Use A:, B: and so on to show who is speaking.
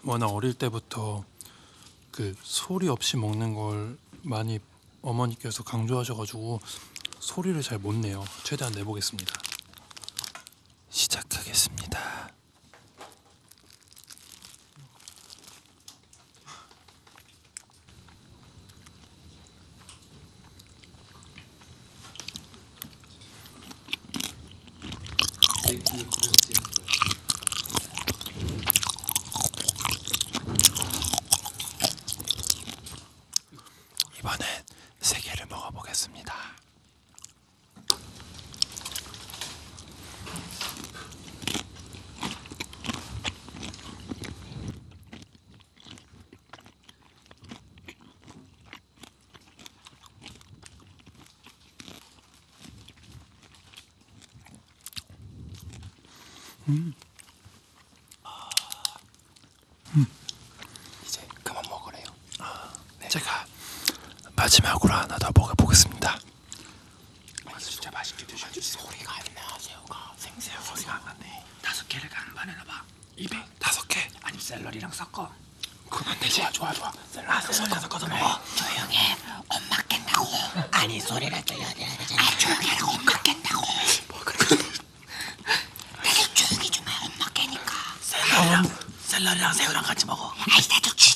A: 워낙 어릴 때부터 그 소리 없이 먹는 걸 많이 어머니께서 강조하셔가지고 소리를 잘 못 내요. 최대한 내보겠습니다. 시작하겠습니다. 이번엔 세 개를 먹어보겠습니다.
B: 이제 그만 먹으래요.
A: 제가 마지막으로 하나 더 먹어보겠습니다.
B: 진짜 맛있게 드셔주세요. 소리가 안 나. 새우가 생새우 소리가 안 나네. 5개를 간반에 넣어봐. 입에
A: 5개.
B: 아니면 샐러리랑 섞어.
A: 그만 내지.
B: 좋아. 샐러리랑 섞어서 먹어. 조용히 해. 엄마 깬다고. 아니 소리를 들려야 돼. 조용히 하라고. 엄마 깬다고. 조용히 좀 해. 엄마 깨니까. 샐러리랑 새우랑 같이 먹어. 아이 나도